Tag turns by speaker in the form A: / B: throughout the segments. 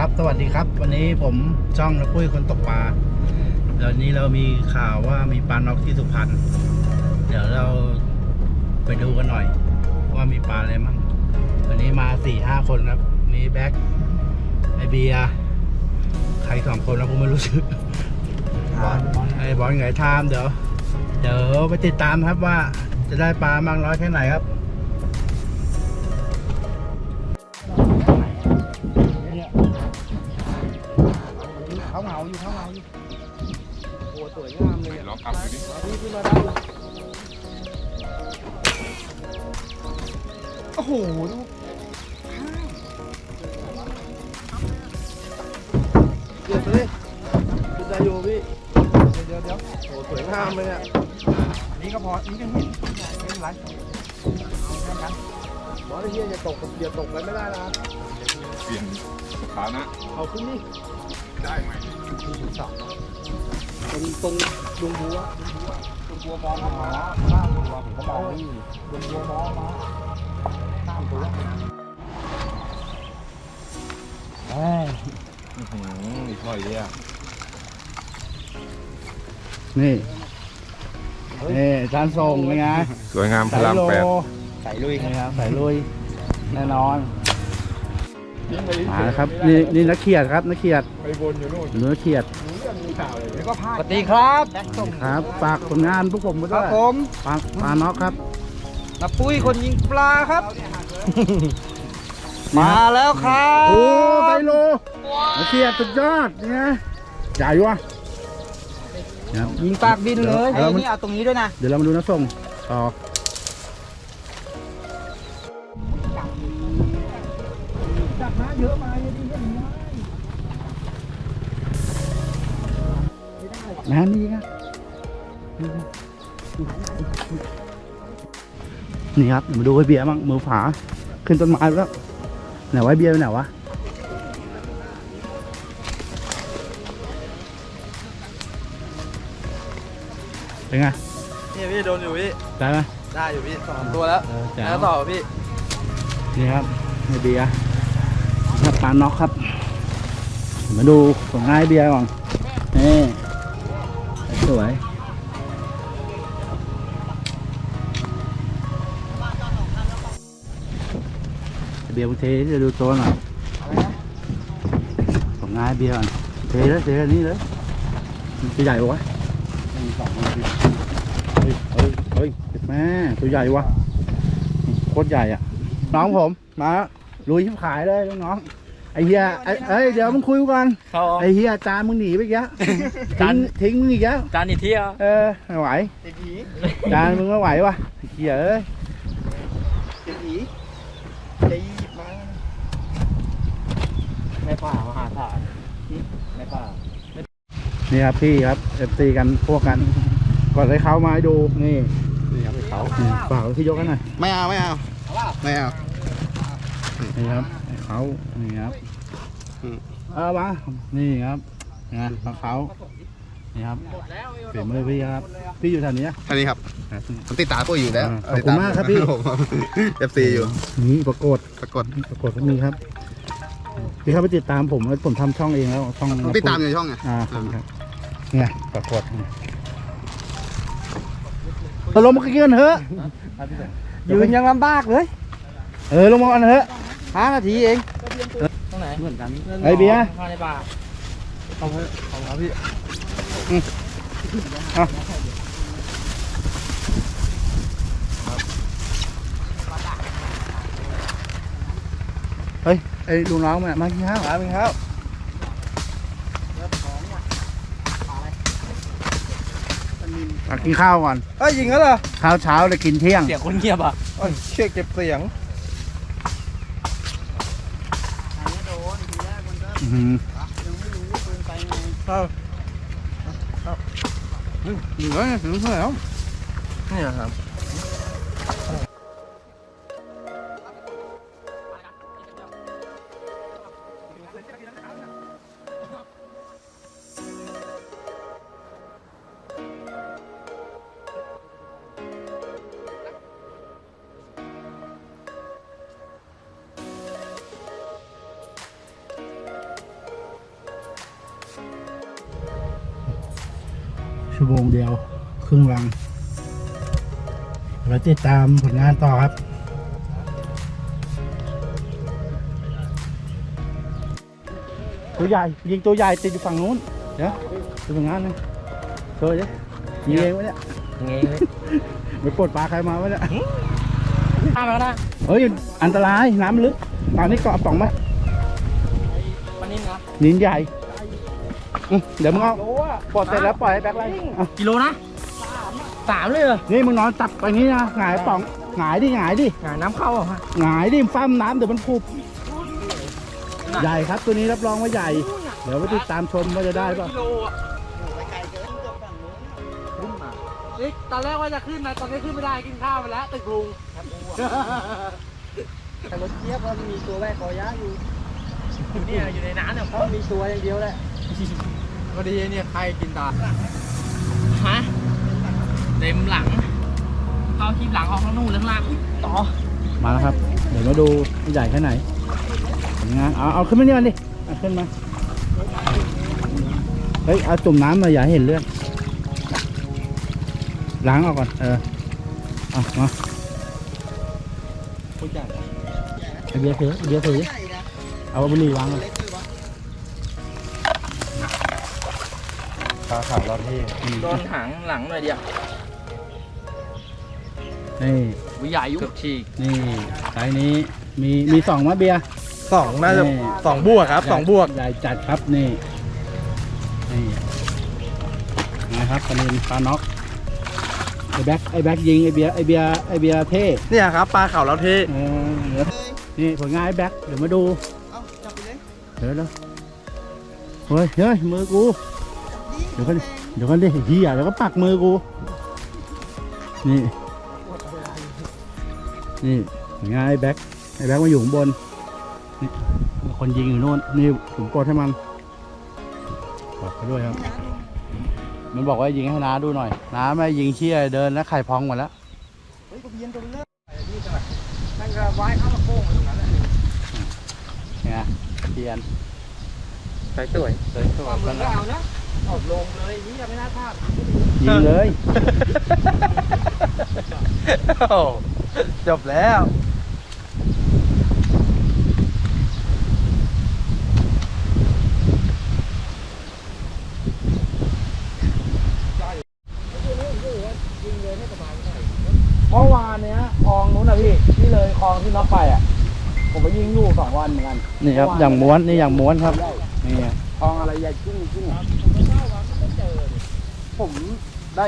A: ครับสวัสดีครับวันนี้ผมช่องนะปุ้ยคนตกปลาเดี๋ยวนี้เรามีข่าวว่ามีปลาน็อกที่สุพรรณเดี๋ยวเราไปดูกันหน่อยว่ามีปลาอะไรมั่งวันนี้มา 4-5 คนครับมีแบ็คไอเบียร์ใคร2 คนแล้วผมไม่รู้ชื่อบอลไอบอลไงทามเดี๋ยวไปติดตามครับว่าจะได้ปลามากน้อยแค่ไหนครับเขาเหงาอยู่โอ้สวยงามเลยลองกลับดูดิขึ้นมาได้โอ้โหดูเดี๋ยวเลยคุณใจโยพี่เดี๋ยวโอ้สวยงามเลยเนี่ยนี่ก็พอนี่ก็เห็นไม่เป็นไรเอาแค่นั้นบอสไอ้เหี้ยอย่าตกอะไรไม่ได้นะ
B: เปลี่ยนสถานะ
A: เอาขึ้นนี่
B: ได้ไหม
A: ตรงดวงบัวมองมาข้ามตัวผมก็มองนี่ดวงบัวมองมาข้ามตัว
B: มีถ้อยเยอะ
A: นี่จานส่งเป็นไง
B: สวยงามพลังแปด
A: ใส่ลุยครับใส่ลุยแน่นอนมาครับนี่นักเขียดครับนักเขียด
B: ไปวนอยู่นู่น
A: นักเขียด
C: สวัสดีครับ
A: ครับฝากผลงานพวกผมมาด้วย
C: ครับผม
A: ปลาน็อกครับ
C: น้าปุ้ยคนยิงปลาครับมาแล้วครับ
A: โอ้ไซโลนักเขียดสุดยอดนี่นะใหญ่วะ
C: ยิงปากบินเลยนี่เอาตรงนี้ด้วยนะ
A: เดี๋ยวเรามาดูนักส่งต่อจับมาเยอะมาเยอะดีเยอะนะนี่ครับนี่ครับมาดูไอเบียร์บ้างมือฝาขึ้นต้นไม้แล้วไหนไว้เบียร์ไปไหนวะเป็นไง
C: นี่พี่โดนอยู่พี่
A: ได้ไหม
C: ได้อยู่พี่2 ตัวแล้วแล้วต่อพี่
A: นี่ครับไอเบียร์ครับปลาน็อกครับมาดูของไอเบียร์ก่อนนี่สวยเบียร์เทจะดูตัวหน่อยของไอเบียร์ก่อนเทแล้วนี่เลยตัวใหญ่วะเฮ้ยแม่ตัวใหญ่วะโคตรใหญ่อ่ะน้องผมมาลุยชิบขายเลยน้องไอ้เฮียเดี๋ยวมึงคุยกันไอ้เฮียจานมึงหนีไปอีกแล้วทิ้งมึงอีกแล้ว
C: จานอีกที่
A: ไม่ไหวจานมึงไม่ไหววะเฮียเอ้ย
C: ในป่ามหาศาลในป่า
A: นี่ครับพี่ครับFCกันพวกกันก่อนให้เขามาให้ดูนี่ครับเขาเปล่าที่ยกกันหน่อย
C: ไม่เอานี่ครับ
A: เขานี่ครับมานี่ครับนะเขานี่ครับเปลี่ยนมือพี่ครับพี่อยู่แถวนี้
B: ท่านี้ครับผมติดตามพวกอยู่แล้ว
A: ขอบคุณมากครับพี่
B: FC อยู่
A: นี่ปรากฏก็มีครับพี่เข้าไปติดตามผมทำช่องเองแล้วช่อง
B: ติดตามในช่องไง
A: ครับเนี่ยปรากฏลงมาเกินเถอะ
C: ยืนยังลำบากเลย
A: ลงมาอันเถอะ
C: 5 นาทีเองตรงไหนเหมือนกัน
A: ไอเบียร์
C: ในป่าเอาครับพี่
A: เฮ้ยไอ้ลุงน้องมากินข้าวกินข้าวก่อน
C: ยิงแล้วเหรอ
A: ข้าวเช้าเลยกินเที่ยง
C: เสียงคนเงียบอ่ะ
B: เช็คเก็บเสียง
A: เหลือถึงเท่าไหร่แล้ว
C: นี่ครับ
A: ชั่วโมงเดียวครึ่งวังเราติดตามผลงานต่อครับตัวใหญ่ยิงตัวใหญ่ติดอยู่ฝั่งนู้นเดี๋ยวดูผลงานนะเฮ้ยยิงเองวะเนี่ย
C: ยังไงเลย
A: ไปปลดปลาใครมาวะเนี่ย
C: ข้ามแล้วนะ
A: เฮ้ยอันตรายน้ำลึกตอนนี้เกาะป่องไหม
C: มันนี่นะ
A: นินใหญ่เดี๋ยวมึงเอาปลดเสร็จแล้วปล่อยให้แบ็คไล่อ่ะ
C: กิโลนะสามเลยเหรอ
A: นี่มึงนอนจับไปนี้นะหงายป่องหงายดิหงายดิ
C: น้ำเข้าเหรอฮะ
A: หงายดิฟ้ามน้ำเดี๋ยวมันพุบใหญ่ครับตัวนี้รับรองว่าใหญ่ เดี๋ยวไปติดตามชมว่าจะได้ป่ะ
C: กิโลอ่ะนี่ตอนแรกว่าจะขึ้นนะตอนนี้ขึ้นไม่ได้กินข้าวไปแล้วตึกลุงแต่รถเจี๊ยบมันมีตัวแรกคอยะอยู่เนี่ยอยู่ในน้ำเนี่ยเพราะมีตัวอย่างเดียวแหละพอดีเนี่ยใครกินตาฮะเต็มหลังเข้าทีหลังออกข้างนู่นข้างล่างต่อ
A: มาแล้วครับ เดี๋ยวมาดูใหญ่แค่ไหนผลงานเอาขึ้นมานี่มันดิเอาขึ้นมาเฮ้ยเอาจุ่มน้ำมาอย่าให้เห็นเลือดล้างออกก่อนเอามาไอเบียร์ถือเอาบุหรี่วางเลย
B: ปลาขาวรอดที่
C: โดนหางหลังหน่อยเดียว
A: นี่
C: วิใหญ่ยุบฉีก
A: นี่ไซส์นี้มีสองมะเบียร์
B: 2 น่าจะ
A: นี่
B: 2 บวกครับ 2 บวก
A: ใหญ่จัดครับนี่นะครับปลาเนนปลาน็อกไอแบ็คยิงไอเบียร์เท่
B: เนี่ยครับปลาขาวรอดที่
A: นี่ผลงานไอแบ็คเดี๋ยวมาดูเดี๋ยวเฮ้ยมือกูเดี๋ยวกันดิเฮียเดี๋ยวก็ปักมือกูนี่ผลงานไอแบ็คมาอยู่ข้างบนนี่คนยิงอยู่โน่นนี่ผมกดให้มันบอกไปด้วยครับมันบอกว่ายิงให้น้าดูหน่อยน้าไม่ยิงเชี่ยเดินแล้วไข่พองหมดแล้ว
C: นั่นก็ไว้เข้ามาโค้งตรงนั้นแหละ
A: ไงเทียน
C: สวย
A: ความ
C: มือก็เอานะออกลงเลยนี่ยังไม่น่าพลาด
A: ยิงเลย
B: จบแล้ว
A: เมื่อวานเนี้ยคลองนู้นนะพี่ที่เลยคลองที่น็อกไปอ่ะผมไปยิงอยู่2 วันเหมือนกันนี่ครับอย่างม้วนนี่อย่างม้วนครับนี่คลองอะไรใหญ่จุ้งผมได้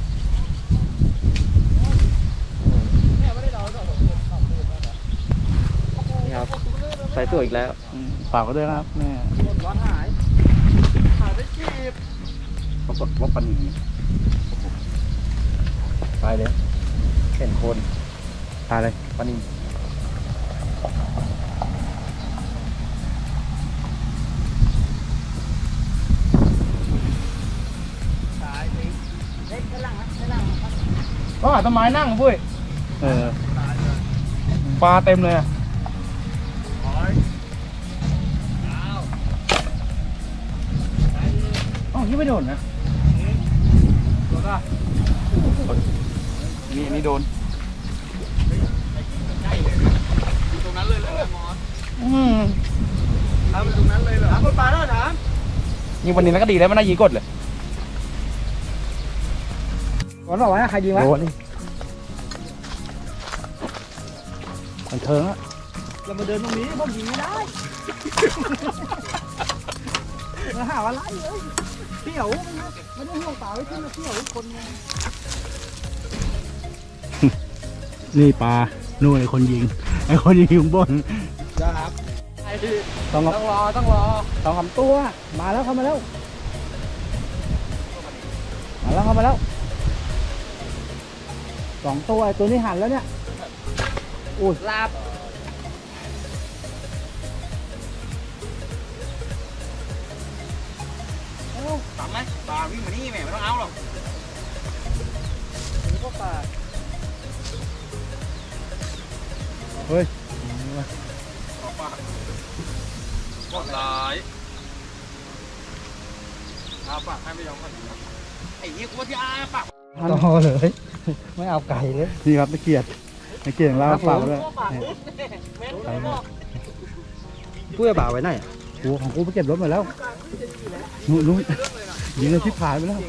C: นี่ครับใส่ตัวอีกแล้ว
A: ฝากไว้ด้วยนะครับแม่
C: ร้อนหายไปจีบ
A: ปรากฏว่าปันตายเลย
B: เห็นคน
A: ตายเลย
B: ปลานิล
C: ก็หาต้นไม้นั่งปุ้ย
B: ปลาเต็มเลยอะ
C: อ๋อยังไม่โดนนะโดนป่ะ
B: นี่โดน
C: ตรงนั้นเลยเหรอมอส
B: ทำตรงนั้นเลยเหรอ
C: ถามคนปลาแล้วถาม
B: ยิงวันนี้แล้วก็ดีแล้วมันน่ายิงกดเลย
C: ก่อนบอกว่าใครยิงวะ
B: โดนนี่
A: มันเทิงอ่ะ
C: เรามาเดินตรงนี้ผมยิงไม่ได้มาหาว่าไล่เลยเที่ยวไม่ได้ห่วงเปล่าไว้ขึ้นมาเที่ยวคน
A: นี่ปลานู่นไอคนยิงอยู่ข้างบน
C: ครับ
A: ต้อง
C: ต้องรอ
A: 2 3 ตัวมาแล้วเข้ามาแล้ว2 ตัวไอตัวนี้หันแล้วเนี่ยอุ้ย
C: ลาบทำไหมปลาวิ่งมานี่แม่ไม่ต้องเอาหรอกนี่ก็ปลา
A: เฮ้ย
C: หมดหลายเอาปากให้ไม่ยอมกันไอ้เหี้ยกูว่าที่อาปาก
A: ต่อเลย ไม่เอาไก่เลยนี่ครับตะเกียบของเราฝากด้วย
C: ไปหมด
A: พูดบ่าวไว้ไหนกูของกูไปเก็บรถมาแล้วนู้นยิงเลยชิบหายไปแล้ว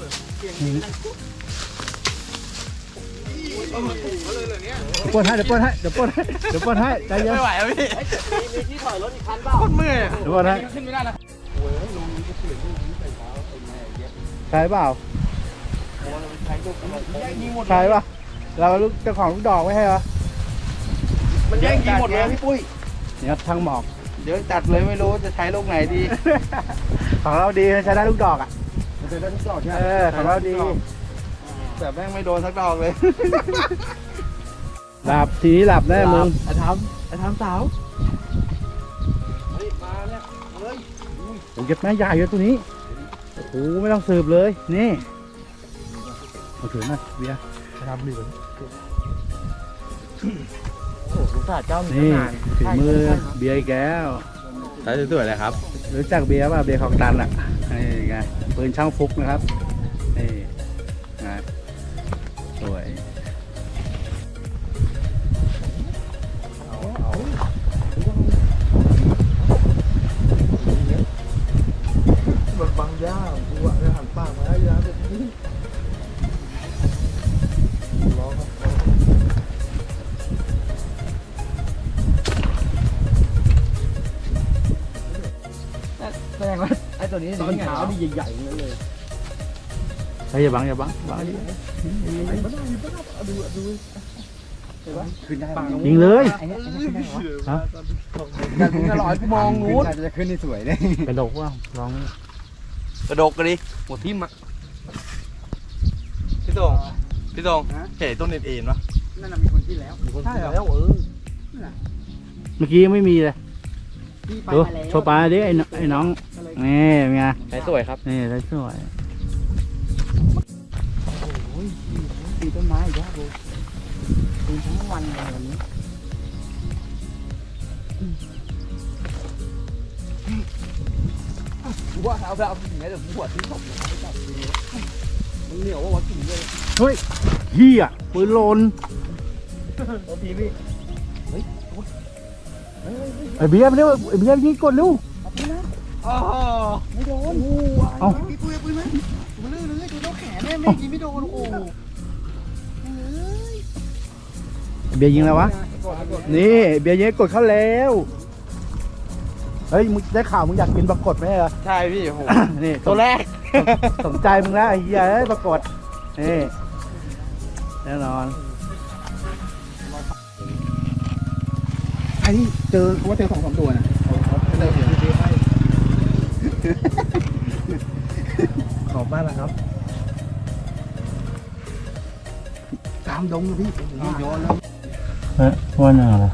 A: เดี๋ยวปนให้ใจเย็น
C: ไม่ไหวแล้วพี่มีที่ถอยรถอีกคันเปล่าโคตรเมื่อย
A: เดี๋ยวปนให้
C: ขึ้นไม่ได้แล้ว
A: ใช่เปล่าใช่ป่ะเราลูกเจ้าของลูกดอกไม่ให้เหรอ
C: มันแย่งยิงหมดเลยพี่ปุ้ย
A: นี่ครับทางหมอก
C: เดี๋ยวจัดเลยไม่รู้จะใช้ลูกไหนดี
A: ของเราดีใช้ได้ลูกดอกอ่ะ
C: จะได้ทุกดอกใช่ไหม
A: ของเราดี
C: แต่แม่งไม่โดนสักดอกเลย
A: หลับทีนี้หลับแน่มึง
C: ไอ้ทำสาวเฮ้ยมาเนี่ยเฮ้ย
A: ผมเก็บแม่ใหญ่เยอะตัวนี้โอ้โหไม่ต้องสืบเลยนี่มาถือหน่อยเบียร์
C: ทำดีกว่าโอ้โหลูกสาวเจ้ามี
A: นี่
C: นาน
A: ถึงมือเบียร์อีกแก้ว
C: ใช้สวยๆเลยครับ
A: รู้จักเบียร์ป่ะเบียร์ของตันอ่ะนี่ไงปืนช่างฟุกนะครับนี่ไงสวย
C: มันบังย่ากูอ่ะจะหันปากมาได้ยาแบบนี้ร้องแสดงว่าไอ้ตัวนี้ตอนเช้านี่ใหญ่ๆนั่นเลย
A: เฮ้ยอย่าบังดิ
C: ขึ้นได้
A: ยิงเลย
C: ไอ้เนี่ยขึ้นได้เหรอ
A: ฮะ
C: อยากถึงจะลอยกูมองนู้น
B: จะขึ้นนี่สวยเลย
A: กระดกว่าลอง
C: กระดกกันดิหัวทิ่มอ่ะพี่ตงเห็นต้นเอ็นๆวะ
B: นั่นน่ะมีคนที่แล้ว
C: ใช่เหรอ
A: เมื่อกี้ยังไม่มีเลย
B: ที่ไป
A: ดู
B: มาแล้ว
A: โชว์ปลาดิไอ้น้องนี่เป็นไง
C: ใช้สวยครับ
A: นี่ได้สวย
B: ปีต้นไม้อีกแล้วกูปีทั้งวันเลยวันนี้กูว่าเอาไปถึงไหนเดี๋ยวหัวที่ตกไม่จับมันเหนียวว่ากินเลย
A: เฮ้ยเฮียปืนโลน
B: โอ้พี่พี่
A: ไอ้เบียร์ไปเร็วไอ้เบียร์ยิงกดเร็ว
C: อ๋อ
B: ไม่โดน
A: เอ้า
B: พี่ปุ้ยปืนไหมปืนเลยดูน้องแขนแม่ไม่ยิงไม่โดนโอ้
A: เบียร์ยิงแล้ววะนี่เบียร์ยิงกดเข้าแล้วเฮ้ยมึงได้ข่าวมึงอยากกินปรากฏไหมเหรอ
C: ใช่พี่โห
A: นี่
C: ตัวแรก
A: สนใจมึงแล้วไอ้เฮียเอ้ยปรากฏนี่แน่นอน
B: ไอ้นี่เจอเขาว่าเจอ2-3ตัวนะขอบมากนะครับตามดงเลยพี่โยนแล้ว
A: ฮะว่าหนาเหรอ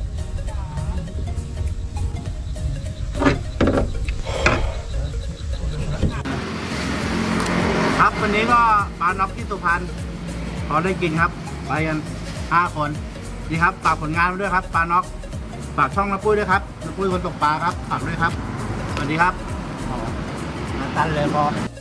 A: ครับวันนี้ก็ปลาน็อกที่สุพรรณพอได้กินครับไปกัน5 คนนี่ครับฝากผลงานไว้ด้วยครับปลาน็อกฝากช่องน้าปุ้ยด้วยครับน้าปุ้ยคนตกปลาครับฝากด้วยครับสวัสดีครับตันเลยพอ